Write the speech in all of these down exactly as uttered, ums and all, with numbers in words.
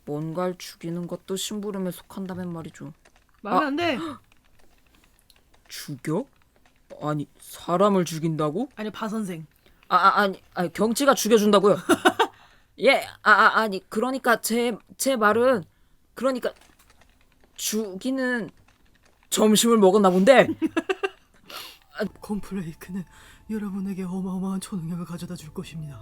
뭔가를 죽이는 것도 심부름에 속한다면 말이죠. 말이 아. 안 돼. 죽여? 아니 사람을 죽인다고? 아니 바 선생. 아, 아 아니, 아니 경치가 죽여준다고요. 예, 아, 아 아니 그러니까 제 제 말은 그러니까 죽이는 점심을 먹었나 본데. 콤플레이크는 여러분에게 어마어마한 초능력을 가져다 줄 것입니다.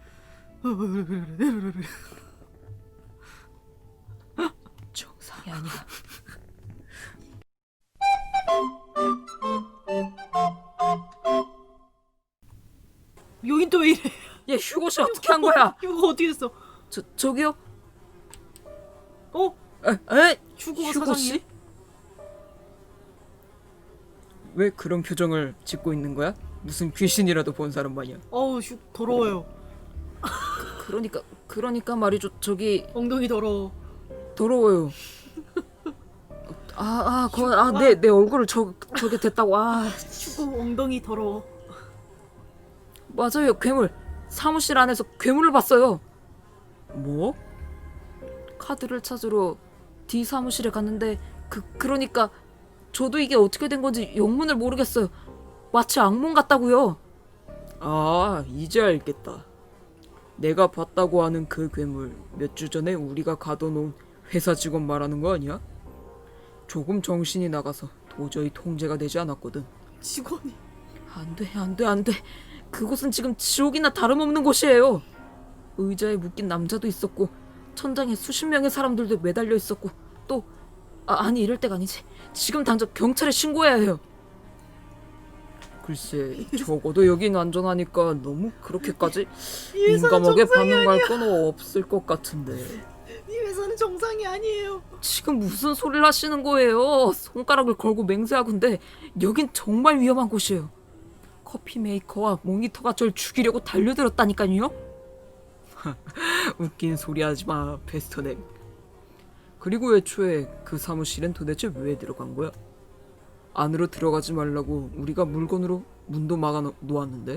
정상이 아니야. 여긴 또 왜 이래? 얘 휴고 씨 어떻게 한 거야? 이거 어떻게 됐어? 저 저기요? 어? 에, 에? 휴고가 휴고 사장이야? 씨? 왜 그런 표정을 짓고 있는 거야? 무슨 귀신이라도 본 사람 마냥. 어우 휴 더러워요. 그러니까 그러니까 말이죠. 저기 엉덩이 더러워. 더러워요. 아, 아, 거, 아, 내, 내 얼굴을 저, 저게 됐다고. 아, 휴고 엉덩이 더러워. 맞아요. 괴물. 사무실 안에서 괴물을 봤어요. 뭐? 카드를 찾으러 D 사무실에 갔는데 그 그러니까 저도 이게 어떻게 된 건지 영문을 모르겠어요. 마치 악몽 같다고요. 아, 이제 알겠다. 내가 봤다고 하는 그 괴물 몇 주 전에 우리가 가둬놓은 회사 직원 말하는 거 아니야? 조금 정신이 나가서 도저히 통제가 되지 않았거든. 직원이. 안 돼, 안 돼, 안 돼. 그곳은 지금 지옥이나 다름없는 곳이에요. 의자에 묶인 남자도 있었고 천장에 수십 명의 사람들도 매달려 있었고 또 아, 아니 이럴 때가 아니지. 지금 당장 경찰에 신고해야 해요. 글쎄, 적어도 여긴 안전하니까 너무 그렇게까지 이 회사는 민감하게 정상이 반응할 아니야. 건 없을 것 같은데. 이 회사는 정상이 아니에요. 지금 무슨 소리를 하시는 거예요? 손가락을 걸고 맹세하건데 여긴 정말 위험한 곳이에요. 커피 메이커와 모니터가 절 죽이려고 달려들었다니까요. 웃긴 소리 하지 마, 베스터넥. 그리고 애초에 그 사무실엔 도대체 왜 들어간 거야? 안으로 들어가지 말라고 우리가 물건으로 문도 막아 놓았는데.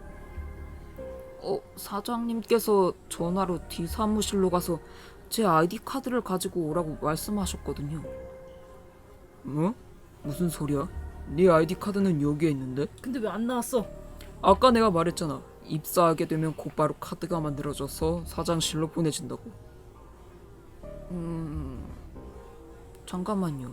어, 사장님께서 전화로 D 사무실로 가서 제 아이디 카드를 가지고 오라고 말씀하셨거든요. 뭐? 무슨 소리야? 네 아이디 카드는 여기에 있는데? 근데 왜 안 나왔어? 아까 내가 말했잖아. 입사하게 되면 곧바로 카드가 만들어져서 사장실로 보내진다고. 음... 잠깐만요.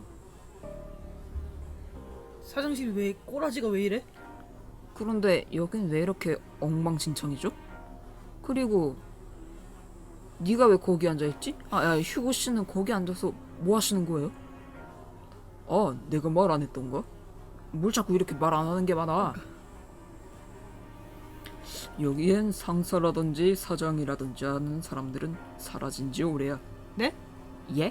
사장실 왜 꼬라지가 왜 이래? 그런데 여긴 왜 이렇게 엉망진창이죠? 그리고 네가 왜 거기 앉아있지? 아, 야, 휴고 씨는 거기 앉아서 뭐 하시는 거예요? 아, 내가 말 안 했던가? 뭘 자꾸 이렇게 말 안 하는 게 많아. 여기엔 상사라든지 사장이라든지 하는 사람들은 사라진 지 오래야. 네? 예?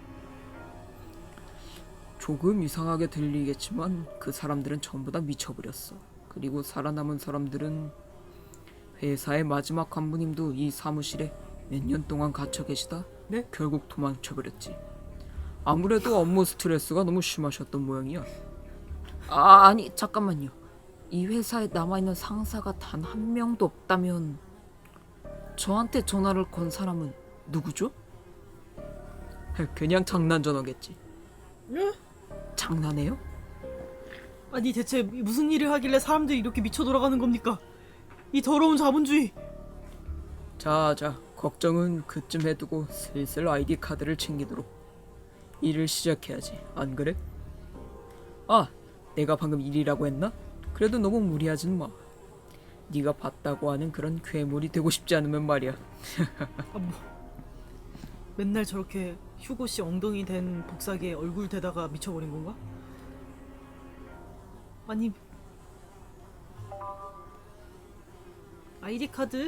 조금 이상하게 들리겠지만 그 사람들은 전부 다 미쳐버렸어. 그리고 살아남은 사람들은 회사의 마지막 간부님도 이 사무실에 몇 년 동안 갇혀 계시다 네? 결국 도망쳐버렸지. 아무래도 업무 스트레스가 너무 심하셨던 모양이야. 아, 아니 잠깐만요. 이 회사에 남아있는 상사가 단 한 명도 없다면 저한테 전화를 건 사람은 누구죠? 그냥 장난 전화겠지. 응? 장난해요? 아니 대체 무슨 일을 하길래 사람들이 이렇게 미쳐 돌아가는 겁니까? 이 더러운 자본주의. 자자, 걱정은 그쯤 해두고 슬슬 아이디 카드를 챙기도록 일을 시작해야지. 안 그래? 아, 내가 방금 일이라고 했나? 그래도 너무 무리하진 마. 네가 봤다고 하는 그런 괴물이 되고 싶지 않으면 말이야. 아, 뭐. 맨날 저렇게 휴고 씨 엉덩이 된 복사기에 얼굴 대다가 미쳐버린 건가? 아니 아이디 카드?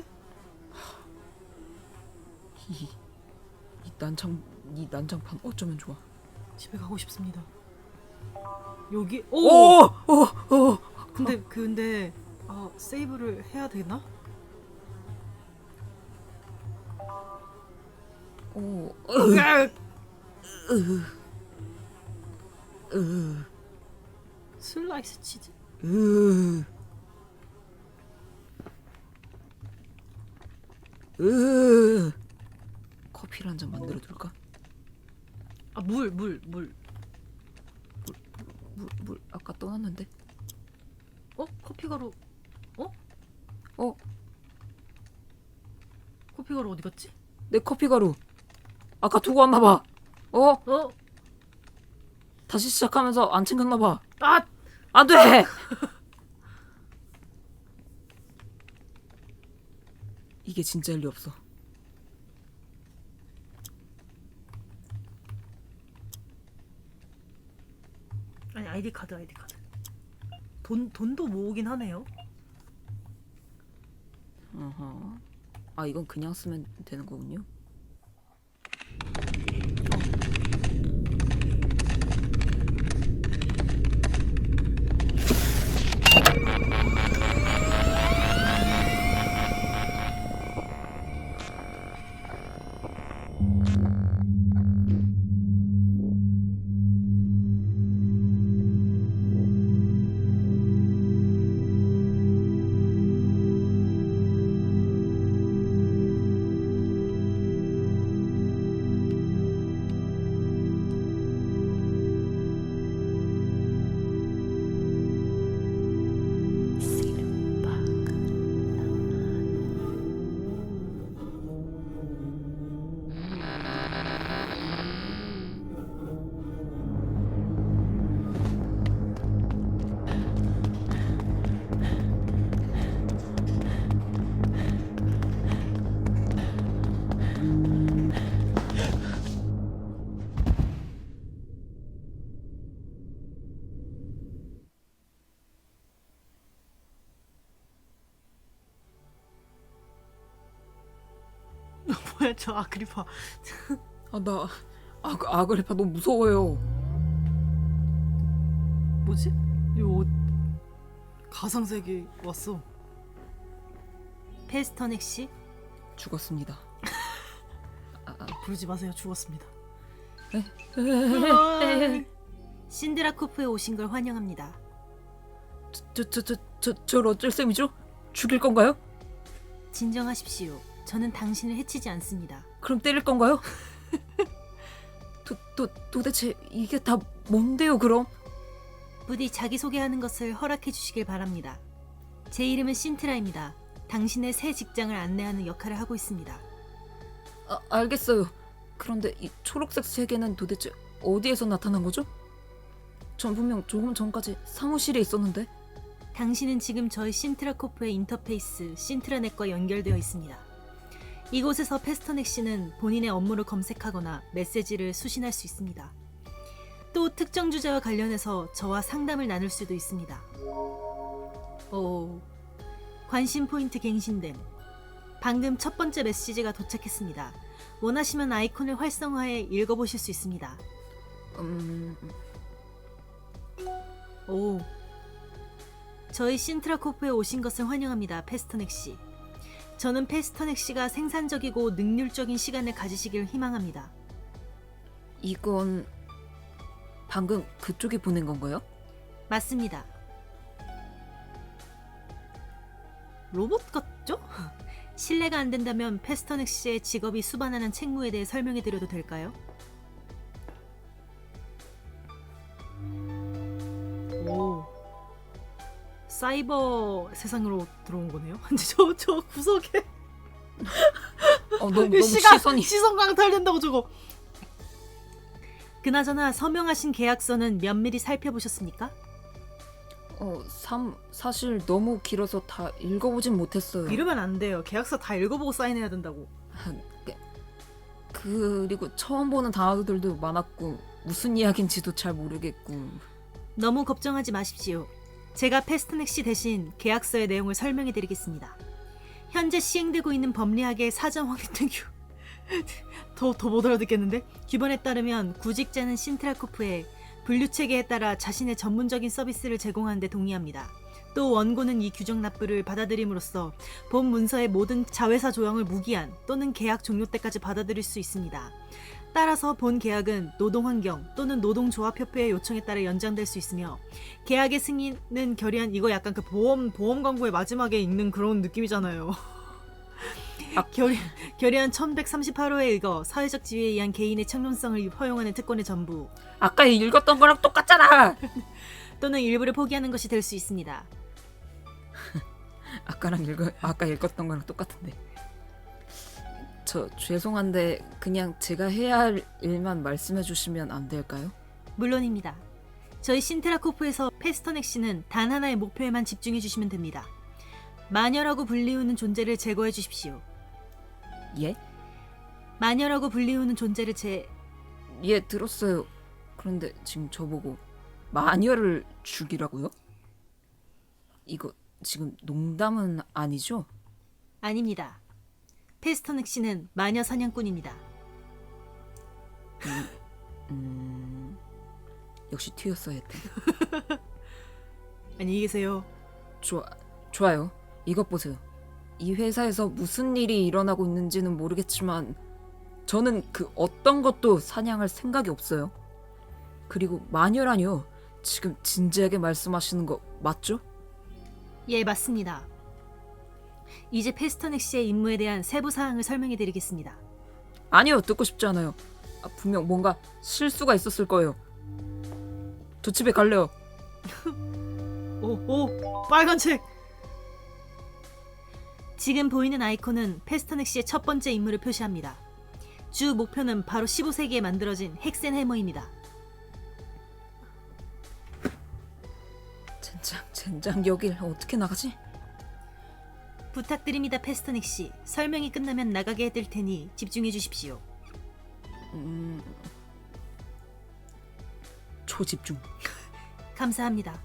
이, 이 난장 이 난장판 어쩌면 좋아. 집에 가고 싶습니다. 여기 오! 오, 오, 오. 근데 근데 아 세이브를 해야 되나? 오, 으악! 으, 슬라이스 치즈? 으, 으. 커피를 한 잔 만들어 둘까? 아, 물, 물, 물. 물, 물 아까 떠났는데. 어? 커피 가루. 어? 어, 커피 가루 어디 갔지? 내 커피 가루. 아까 두고 왔나 봐. 어? 어? 다시 시작하면서 안 챙겼나 봐. 아! 안 돼. 이게 진짜일 리 없어. 아니, 아이디 카드, 아이디 카드. 돈, 돈도 모으긴 하네요. 어허. 아, 이건 그냥 쓰면 되는 거군요. 뭐야, 저 아그리파. 아, 나 아, 아그리파 너무 무서워요. 뭐지? 이 옷 가상세계 왔어. 페스터넥 씨? 죽었습니다. 부르지 마세요. 죽었습니다. 에? 신드라코프에 오신 걸 환영합니다. 저, 저, 저, 저, 저 어쩔 셈이죠? 죽일 건가요? 진정하십시오. 저는 당신을 해치지 않습니다. 그럼 때릴 건가요? 도, 도, 도대체 이게 다 뭔데요, 그럼? 부디 자기소개하는 것을 허락해 주시길 바랍니다. 제 이름은 신트라입니다. 당신의 새 직장을 안내하는 역할을 하고 있습니다. 아, 알겠어요. 그런데 이 초록색 세계는 도대체 어디에서 나타난 거죠? 전 분명 조금 전까지 사무실에 있었는데. 당신은 지금 저희 신트라코프의 인터페이스 신트라넷과 연결되어 있습니다. 이곳에서 페스터넥 씨는 본인의 업무를 검색하거나 메시지를 수신할 수 있습니다. 또 특정 주제와 관련해서 저와 상담을 나눌 수도 있습니다. 오, 관심 포인트 갱신됨. 방금 첫 번째 메시지가 도착했습니다. 원하시면 아이콘을 활성화해 읽어보실 수 있습니다. 음... 오, 저희 신트라코프에 오신 것을 환영합니다. 페스터넥 씨. 저는 페스터넥 씨가 생산적이고 능률적인 시간을 가지시길 희망합니다. 이건 방금 그쪽이 보낸 건가요? 맞습니다. 로봇 같죠? 실례가 안 된다면 페스터넥 씨의 직업이 수반하는 책무에 대해 설명해 드려도 될까요? 오, 사이버 세상으로 들어온 거네요. 저, 저 구석에 어, 너무, 너무 시간, 시선이. 시선 강탈된다고 저거. 그나저나 서명하신 계약서는 면밀히 살펴보셨습니까? 어, 삼, 사실 너무 길어서 다 읽어보진 못했어요. 이러면 안 돼요. 계약서 다 읽어보고 사인해야 된다고. 그리고 처음 보는 단어들도 많았고 무슨 이야기인지도 잘 모르겠고. 너무 걱정하지 마십시오. 제가 페스트넥 씨 대신 계약서의 내용을 설명해 드리겠습니다. 현재 시행되고 있는 법리학의 사전 확인된 규... 더, 더 못 알아듣겠는데? 규범에 따르면 구직자는 신트라코프에 분류체계에 따라 자신의 전문적인 서비스를 제공하는 데 동의합니다. 또 원고는 이 규정 납부를 받아들임으로써 본 문서의 모든 자회사 조항을 무기한 또는 계약 종료 때까지 받아들일 수 있습니다. 따라서 본 계약은 노동환경 또는 노동조합협회의 요청에 따라 연장될 수 있으며 계약의 승인은 결의한 이거 약간 그 보험 보험 광고의 마지막에 읽는 그런 느낌이잖아요. 결의, 결의안 천백삼십팔 호에 의거 사회적 지위에 의한 개인의 창론성을 허용하는 특권의 전부 아까 읽었던 거랑 똑같잖아. 또는 일부를 포기하는 것이 될 수 있습니다. 아까랑 읽어 아까 읽었던 거랑 똑같은데. 저 죄송한데 그냥 제가 해야 할 일만 말씀해 주시면 안 될까요? 물론입니다. 저희 신트라코프에서 페스터넥 씨는 단 하나의 목표에만 집중해 주시면 됩니다. 마녀라고 불리우는 존재를 제거해 주십시오. 예? 마녀라고 불리우는 존재를 제... 예, 들었어요. 그런데 지금 저보고 마녀를 죽이라고요? 이거 지금 농담은 아니죠? 아닙니다. 페스터넥 씨는 마녀 사냥꾼입니다. 음... 역시 튀었어야 했대. 안녕히 계세요. 좋아, 좋아요. 이것 보세요. 이 회사에서 무슨 일이 일어나고 있는지는 모르겠지만 저는 그 어떤 것도 사냥할 생각이 없어요. 그리고 마녀라뇨. 지금 진지하게 말씀하시는 거 맞죠? 예, 맞습니다. 이제 페스터넥 씨의 임무에 대한 세부 사항을 설명해 드리겠습니다. 아니요, 듣고 싶지 않아요. 아, 분명 뭔가 실수가 있었을 거예요. 저 집에 갈래요. 오, 오, 빨간 책! 지금 보이는 아이콘은 페스터넥 씨의 첫 번째 임무를 표시합니다. 주 목표는 바로 십오 세기에 만들어진 헥센 해머입니다. 젠장, 젠장 여길 어떻게 나가지? 부탁드립니다, 페스터넥 씨. 설명이 끝나면 나가게 해드릴 테니 집중해 주십시오. 음... 초집중. 감사합니다.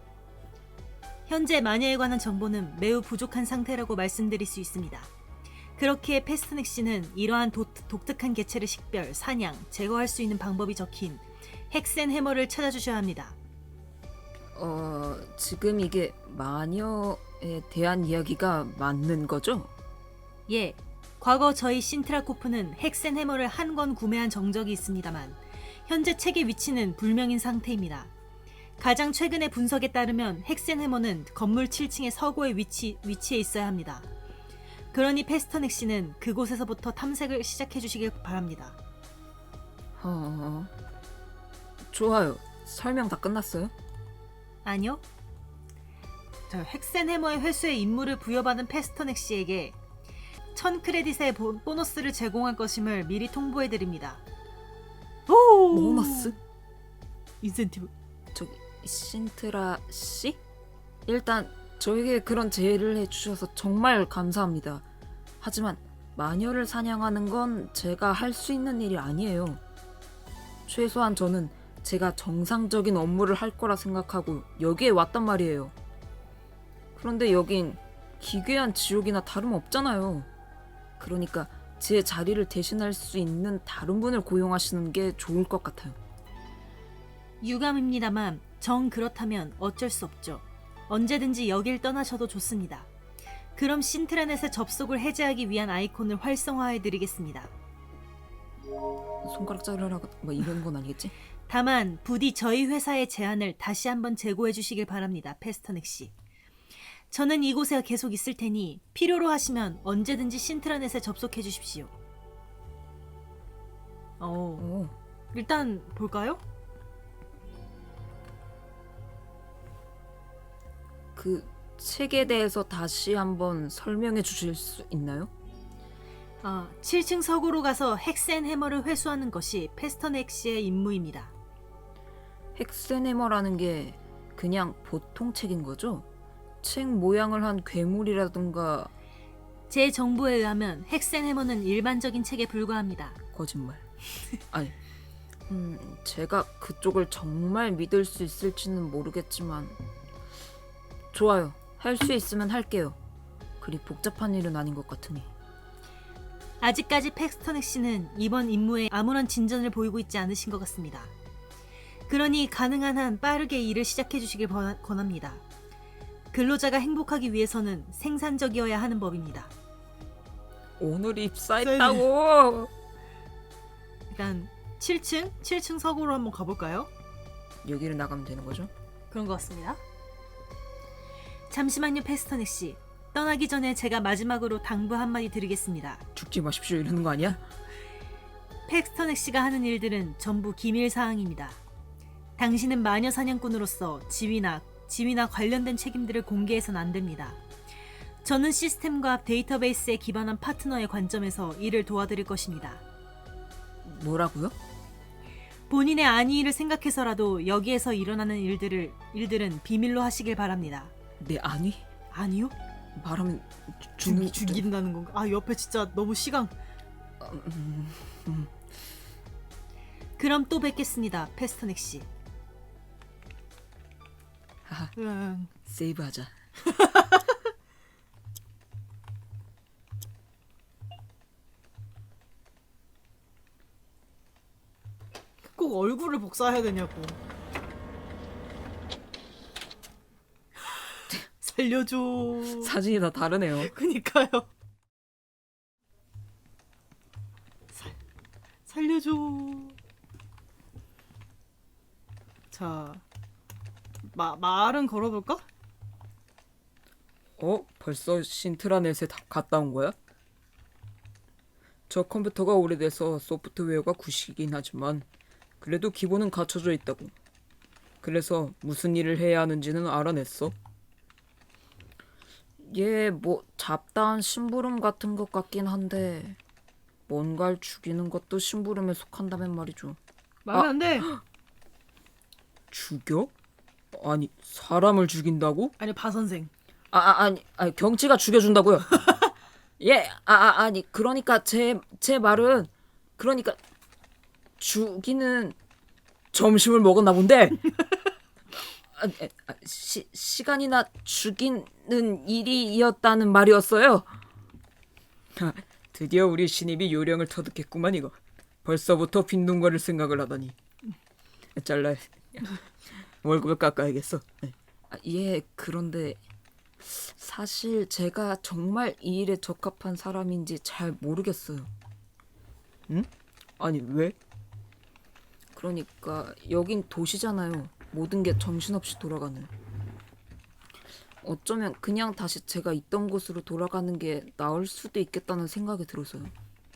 현재 마녀에 관한 정보는 매우 부족한 상태라고 말씀드릴 수 있습니다. 그렇기에 페스터넥 씨는 이러한 도, 독특한 개체를 식별, 사냥, 제거할 수 있는 방법이 적힌 헥센 해머를 찾아주셔야 합니다. 어... 지금 이게 마녀에 대한 이야기가 맞는 거죠? 예, 과거 저희 신트라코프는 헥센 해머를 한 권 구매한 정적이 있습니다만 현재 책의 위치는 불명인 상태입니다. 가장 최근의 분석에 따르면 헥센 해머는 건물 칠 층의 서고에 위치, 위치해 있어야 합니다. 그러니 페스터넥 씨는 그곳에서부터 탐색을 시작해 주시길 바랍니다. 어... 좋아요. 설명 다 끝났어요? 아니요. 저 헥센 해머의 회수에 임무를 부여받은 페스터넥 씨에게 천 크레딧의 보, 보너스를 제공할 것임을 미리 통보해 드립니다. 오! 보너스? 인센티브. 저기 신트라 씨? 일단 저에게 그런 제의를 해주셔서 정말 감사합니다. 하지만 마녀를 사냥하는 건 제가 할 수 있는 일이 아니에요. 최소한 저는 제가 정상적인 업무를 할 거라 생각하고 여기에 왔단 말이에요. 그런데 여긴 기괴한 지옥이나 다름없잖아요. 그러니까 제 자리를 대신할 수 있는 다른 분을 고용하시는 게 좋을 것 같아요. 유감입니다만 정 그렇다면 어쩔 수 없죠. 언제든지 여길 떠나셔도 좋습니다. 그럼 신트라넷의 접속을 해제하기 위한 아이콘을 활성화해 드리겠습니다. 손가락 자르라고 뭐 이런 건 아니겠지? 다만 부디 저희 회사의 제안을 다시 한번 재고해 주시길 바랍니다. 페스터넥 씨. 저는 이곳에 계속 있을 테니 필요로 하시면 언제든지 신트라넷에 접속해 주십시오. 어, 오, 일단 볼까요? 그 책에 대해서 다시 한번 설명해 주실 수 있나요? 아, 칠 층 서고로 가서 헥센 해머를 회수하는 것이 페스터넥 씨의 임무입니다. 헥센해머라는 게 그냥 보통 책인 거죠? 책 모양을 한 괴물이라든가. 제 정보에 의하면 헥센 해머는 일반적인 책에 불과합니다. 거짓말. 아니, 음, 제가 그쪽을 정말 믿을 수 있을지는 모르겠지만 좋아요. 할 수 있으면 할게요. 그리 복잡한 일은 아닌 것 같으니. 아직까지 페스터넥 씨는 이번 임무에 아무런 진전을 보이고 있지 않으신 것 같습니다. 그러니 가능한 한 빠르게 일을 시작해 주시길 번- 권합니다. 근로자가 행복하기 위해서는 생산적이어야 하는 법입니다. 오늘 입사했다고. 일단 칠 층? 칠 층 서고로 한번 가볼까요? 여기를 나가면 되는 거죠? 그런 것 같습니다. 잠시만요, 페스터넥 씨. 떠나기 전에 제가 마지막으로 당부 한마디 드리겠습니다. 죽지 마십시오 이러는 거 아니야? 팩스터넥 씨가 하는 일들은 전부 기밀 사항입니다. 당신은 마녀 사냥꾼으로서 지위나 지위나 관련된 책임들을 공개해서는 안 됩니다. 저는 시스템과 데이터베이스에 기반한 파트너의 관점에서 일을 도와드릴 것입니다. 뭐라고요? 본인의 안위를 생각해서라도 여기에서 일어나는 일들을 일들은 비밀로 하시길 바랍니다. 내 안위? 아니요? 말하면 죽는 죽, 죽인다는 건가? 아 옆에 진짜 너무 시강. 음, 음. 그럼 또 뵙겠습니다, 페스터넥 씨. 하하, 응. 세이브하자. 꼭 얼굴을 복사해야 되냐고. 살려줘. 사진이 다 다르네요. 그니까요. 살 살려줘. 자, 마 말은 걸어볼까? 어? 벌써 신트라넷에 다 갔다 온 거야? 저 컴퓨터가 오래돼서 소프트웨어가 구식이긴 하지만 그래도 기본은 갖춰져 있다고. 그래서 무슨 일을 해야 하는지는 알아냈어. 얘 뭐 잡다한 심부름 같은 것 같긴 한데 뭔가를 죽이는 것도 심부름에 속한다면 말이죠. 말면 아. 안 돼. 죽여? 아니 사람을 죽인다고? 아니 바 선생. 아, 아 아니, 아니 경치가 죽여준다고요. 예, 아, 아 아니 그러니까 제 제 말은 그러니까 죽이는 점심을 먹었나 본데. 아, 아, 시, 시간이나 죽이는 일이었다는 말이었어요. 아, 드디어 우리 신입이 요령을 터득했구만 이거. 벌써부터 빈둥거릴 생각을 하다니. 잘라. 월급을 깎아야겠어. 아, 예, 그런데 사실 제가 정말 이 일에 적합한 사람인지 잘 모르겠어요. 응? 아니 왜? 그러니까 여긴 도시잖아요. 모든 게 정신없이 돌아가는. 어쩌면 그냥 다시 제가 있던 곳으로 돌아가는 게 나을 수도 있겠다는 생각이 들어서요.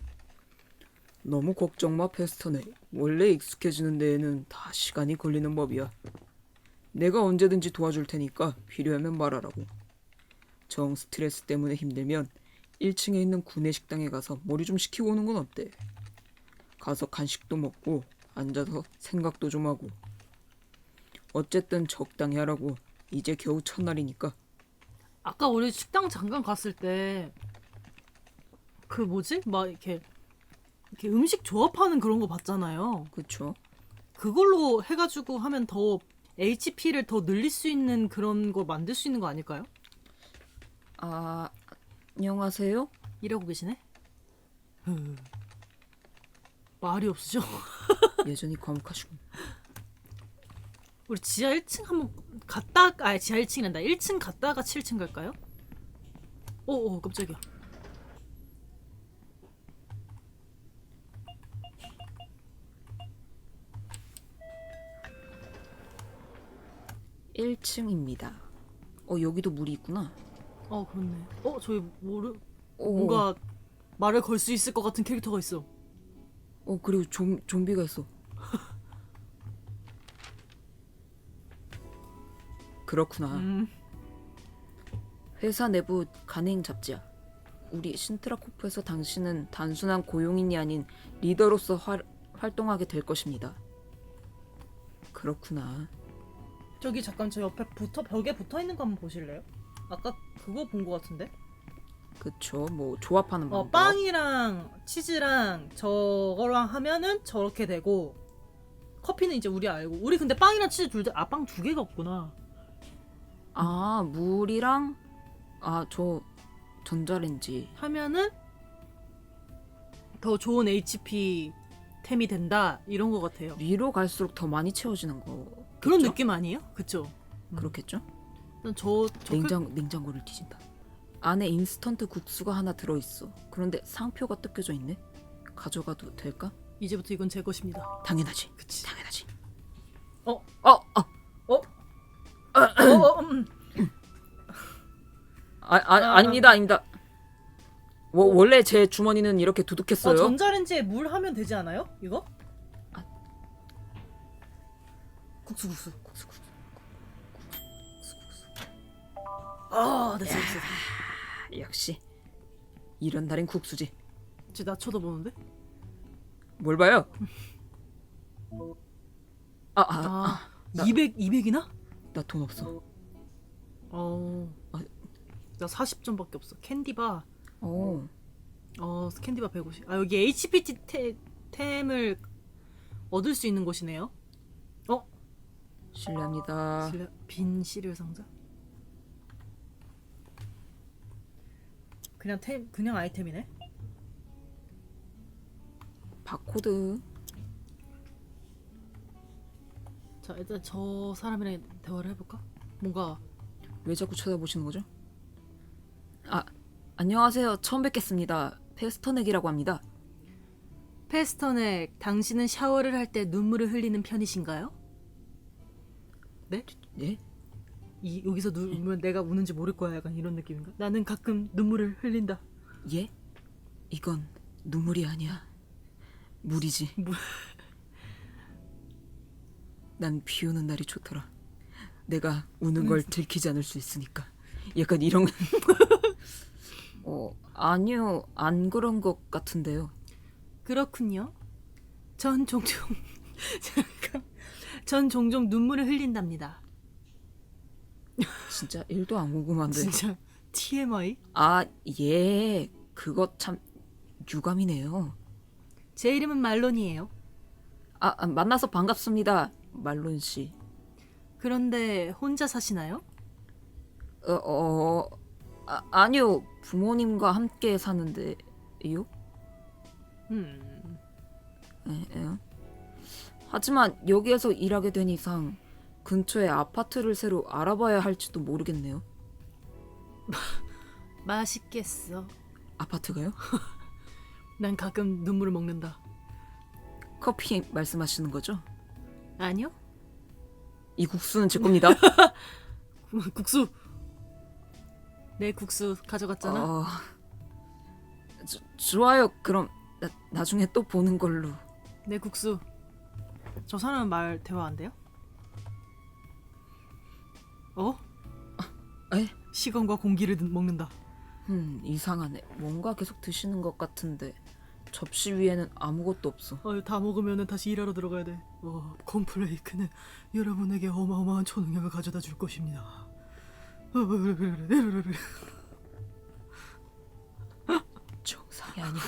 너무 걱정 마, 페스터네. 원래 익숙해지는 데에는 다 시간이 걸리는 법이야. 내가 언제든지 도와줄 테니까 필요하면 말하라고. 정 스트레스 때문에 힘들면 일 층에 있는 구내식당에 가서 머리 좀 식히고 오는 건 어때? 가서 간식도 먹고 앉아서 생각도 좀 하고. 어쨌든 적당히 하라고. 이제 겨우 첫날이니까. 아까 우리 식당 잠깐 갔을 때 그 뭐지? 막 이렇게 이렇게 음식 조합하는 그런 거 봤잖아요. 그쵸? 그걸로 해가지고 하면 더 에이치피를 더 늘릴 수 있는 그런 걸 만들 수 있는 거 아닐까요? 아, 안녕하세요? 이러고 계시네? 흐. 말이 없으죠? 여전히 과묵하시군. 우리 지하 일 층 한번 갔다, 아 지하 일 층이란다. 일 층 갔다가 칠 층 갈까요? 오오 깜짝이야. 일 층입니다. 어, 여기도 물이 있구나. 어 그렇네. 어 저기 모르 오, 뭔가 말을 걸 수 있을 것 같은 캐릭터가 있어. 어, 그리고 좀, 좀비가 있어. 그렇구나. 음. 회사 내부 간행 잡지야. 우리 신트라코프에서 당신은 단순한 고용인이 아닌 리더로서 활, 활동하게 될 것입니다. 그렇구나. 저기 잠깐 저 옆에 붙어 벽에 붙어 있는 거 한번 보실래요? 아까 그거 본 거 같은데? 그쵸. 뭐 조합하는 어 방법. 빵이랑 치즈랑 저거랑 하면은 저렇게 되고 커피는 이제 우리 알고 우리 근데 빵이랑 치즈 둘 다 아 빵 두 개가 없구나. 아, 물이랑 아, 저 전자레인지. 하면은 더 좋은 에이치피 템이 된다 이런 거 같아요. 위로 갈수록 더 많이 채워지는 거. 그런 그쵸? 느낌 아니에요? 그쵸? 그렇겠죠? 저, 저 냉장 냉장고를 뒤진다. 안에 인스턴트 국수가 하나 들어 있어. 그런데 상표가 뜯겨져 있네. 가져가도 될까? 그, 이제부터 이건 제 것입니다. 당연하지. 그치. 당연하지. 어? 어, 어. 어? 어? 어? 음. 아, 아 아닙니다, 아닙니다. 워, 원래 제 주머니는 이렇게 두둑했어요. 어, 전자레인지에 물 하면 되지 않아요? 이거? 아. 국수 국수 국수 국수 국수 국수. 아, 됐어 됐어. 아, 역시 이런 날엔 국수지. 쟤나 쳐다보는데? 뭘 봐요? 아, 아, 아, 아, 나- 이백 이백이나? 나 돈 없어. 어, 아. 나 사십 점밖에 없어. 캔디바. 어, 어, 캔디바 백오십. 아, 여기 에이치피티 테, 템을 얻을 수 있는 곳이네요. 어? 실례합니다. 실례- 빈 시리얼 상자? 그냥 템, 그냥 아이템이네. 바코드. 자, 일단 저 사람이랑 대화를 해볼까? 뭔가 왜 자꾸 쳐다보시는 거죠? 아, 안녕하세요. 처음 뵙겠습니다. 페스터넥이라고 합니다. 페스터넥, 당신은 샤워를 할 때 눈물을 흘리는 편이신가요? 네? 예? 이 여기서 누르면 내가 우는지 모를 거야. 약간 이런 느낌인가? 나는 가끔 눈물을 흘린다. 예? 이건 눈물이 아니야. 물이지. 물. 난 비 오는 날이 좋더라. 내가 우는 걸 들키지 않을 수 있으니까. 약간 이런. 어, 아니요. 안 그런 것 같은데요. 그렇군요. 전 종종 잠깐. 전 종종 눈물을 흘린답니다. 진짜 일도 안 궁금한데. 진짜 티엠아이? 아, 예. 그거 참 유감이네요. 제 이름은 말론이에요. 아, 아, 만나서 반갑습니다. 말론 씨. 그런데 혼자 사시나요? 어, 어 아, 아니요. 부모님과 함께 사는데요. 음. 에, 에. 하지만 여기에서 일하게 된 이상 근처에 아파트를 새로 알아봐야 할지도 모르겠네요. 맛있겠어. 아파트가요? 난 가끔 눈물을 먹는다. 커피 말씀하시는 거죠? 아니요? 이 국수는 제 겁니다. 국수. 내 국수 가져갔잖아. 어, 저, 좋아요. 그럼 나, 나중에 또 보는 걸로. 내 국수. 저 사람은 말 대화 안 돼요? 어? 에? 시간과 공기를 드- 먹는다. 음, 이상하네. 뭔가 계속 드시는 것 같은데 접시 위에는 아무것도 없어. 어, 다 먹으면 다시 일하러 들어가야 돼. 어, 콤플레이크는 여러분에게 어마어마한 초능력을 가져다 줄 것입니다. 어, 정상이 아니야.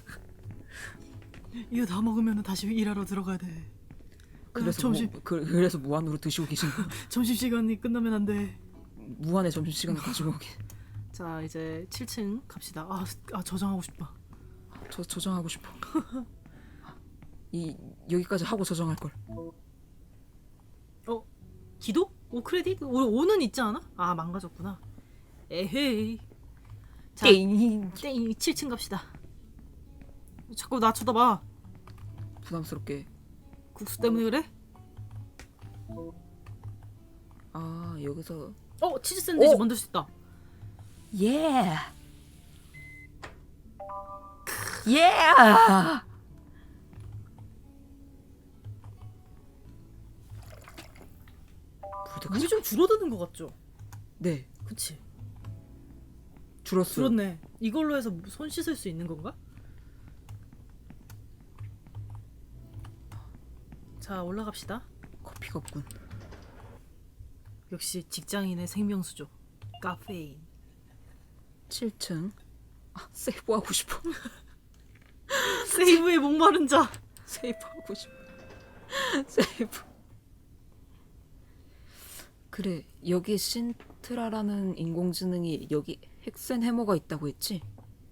이거 다 먹으면 다시 일하러 들어가야 돼. 그래서 점심- 무, 그, 그래서 무한으로 드시고 계신 거. 점심 시간이 끝나면 안 돼. 무한의 점심 시간을 가지고 오게. 자, 이제 칠 층 갑시다. 아, 아 저장하고 싶다. 저 저장하고 싶어. 이 여기까지 하고 저장할 걸. 어? 기도? 오 크레딧? 오, 오는 있지 않아? 아, 망가졌구나. 에헤이. 자, 게임. 땡 칠 층 갑시다. 자꾸 나 쳐다봐. 부담스럽게. 국수 때문에 그래? 아, 여기서 어, 치즈 샌드위치 오! 만들 수 있다. 예. 예. 물이 좀 줄어드는 것 같죠? 네, 그치? 줄었어. 줄었네. 이걸로 해서 손 씻을 수 있는 건가? 자, 올라갑시다. 커피가 없군. 역시 직장인의 생명수죠. 카페인. 칠 층. 아, 세이브하고 싶어. 세이브의 목마른 자. 세이브하고 싶어. 세이브. 그래, 여기 신트라라는 인공지능이 여기 헥센 해머가 있다고 했지?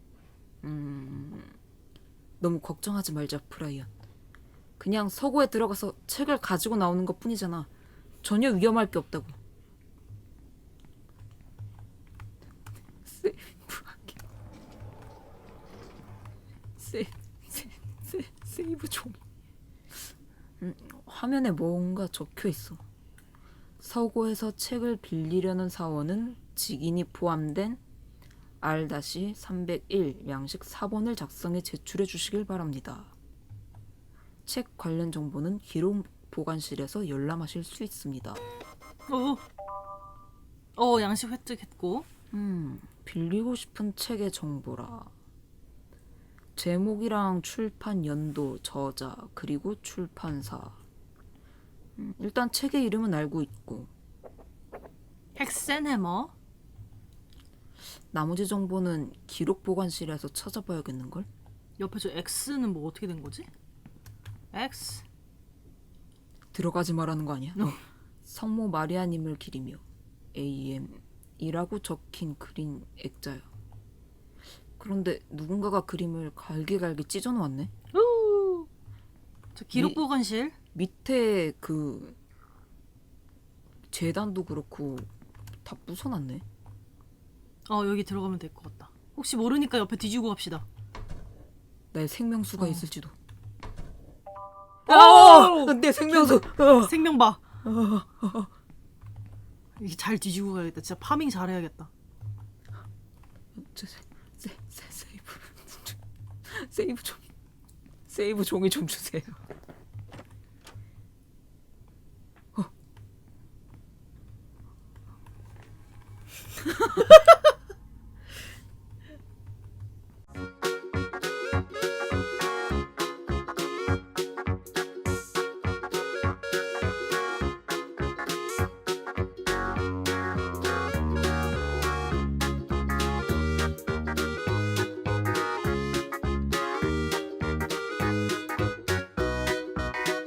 음, 너무 걱정하지 말자, 프라이언. 그냥 서고에 들어가서 책을 가지고 나오는 것 뿐이잖아. 전혀 위험할 게 없다고. 세이브하기. 세, 세, 세, 세이브 좀. 음, 화면에 뭔가 적혀 있어. 서고에서 책을 빌리려는 사원은 직인이 포함된 알 삼백일 양식 사 번을 작성해 제출해 주시길 바랍니다. 책 관련 정보는 기록 보관실에서 열람하실 수 있습니다. 어, 어 양식 획득했고. 음, 빌리고 싶은 책의 정보라. 제목이랑 출판 연도, 저자, 그리고 출판사. 음, 일단 책의 이름은 알고 있고 헥센해머. 나머지 정보는 기록 보관실에서 찾아봐야겠는걸? 옆에 저 X는 뭐 어떻게 된 거지? X. 들어가지 말라는 거 아니야? 어. 성모 마리아님을 기리며 에이엠 이라고 적힌 그린 액자야. 그런데 누군가가 그림을 갈기갈기 찢어놓았네. 우. 저 기록 이- 보관실. 밑에 그 재단도 그렇고 다 부숴놨네. 어 여기 들어가면 될 것 같다. 혹시 모르니까 옆에 뒤지고 갑시다. 나의 생명수가 어. 있을지도. 오! 어! 내 생명수. 어. 생명 봐. 이게 잘 뒤지고 가야겠다. 진짜 파밍 잘해야겠다. 세, 세, 세, 세이브 세이브 좀 세이브 종이 좀 주세요.